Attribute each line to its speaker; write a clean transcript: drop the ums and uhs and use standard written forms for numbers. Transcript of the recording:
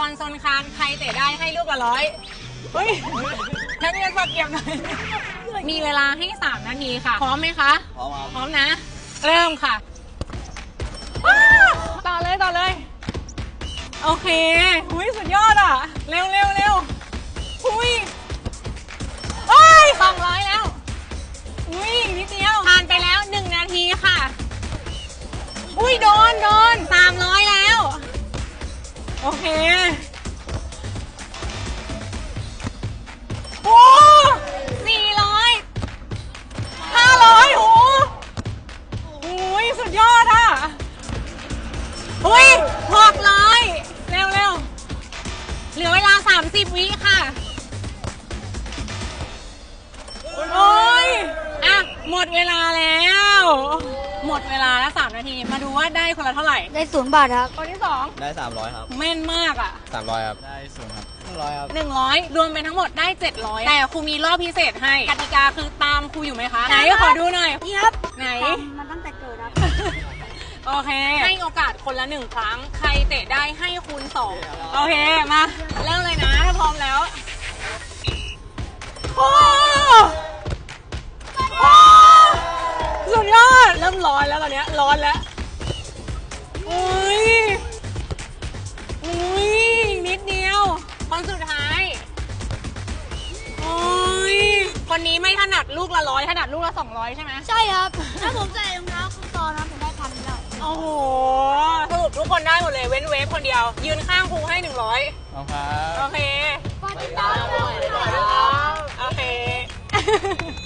Speaker 1: อนโซนค้างใครเตะได้ให้ลูกละ100เฮ้ยนักเรียนฝากเก็บหน่อยมีเวลาให้3นาทีค่ะพร้อมไหมคะพร้อมพร้อมนะเริ่มค่ะต่อเลยโอเคหุยสุดยอดอ่ะเร็วหุย200แล้วหุยนิดเดียวผ่านไปแล้ว1นาทีค่ะอุ้ยโดน300แล้วโอเคโอ้400 500โอ้ยสุดยอดอ่ะอุ้ย600เร็วเหลือเวลา30วิค่ะโอ้ยอ่ะหมดเวลาแล้วหมดเวลาแล้ว3นาทีมาดูว่าได้คนละเท่าไหร่
Speaker 2: ได้0 บาทครับ
Speaker 1: คนที่2
Speaker 3: ได้300ครับ
Speaker 1: แม่นมากอ่ะ
Speaker 3: 300ครับได้0ครับ100ครับ
Speaker 1: 100รวมเป็นทั้งหมดได้700แต่ครูมีรอบพิเศษให้กติกาคือตามครูอยู่ไหมคะไหนขอดูหน่อย
Speaker 2: นี่ครับ
Speaker 1: ไหน
Speaker 2: มันตั้งแต่เกิดครับ
Speaker 1: โอเคให้โอกาสคนละ1ครั้งใครเตะได้ให้คูณ2โอเคมาเริ่มเลยนะถ้าพร้อมแล้วโอ้สุดยอดเริ่มร้อนแล้วตอนนี้ร้อนแล้วอุ้ยนิดเดียวคนสุดท้ายโอ้ยคนนี้ไม่ถนัดลูกละ100ถนัดลูกละ200ใช่ไหม
Speaker 2: ใช่ครับถ้าผมใส่รองเท้าคุณตอนนะผมได้1,000แล้ว
Speaker 1: โอ้โหสรุปทุกคนได้หมดเลยเว้นเวฟคนเดียวยืนข้างครูให้100
Speaker 3: เอาครับ
Speaker 1: โอเค
Speaker 2: ฝากติดตามด้วย
Speaker 1: โอเค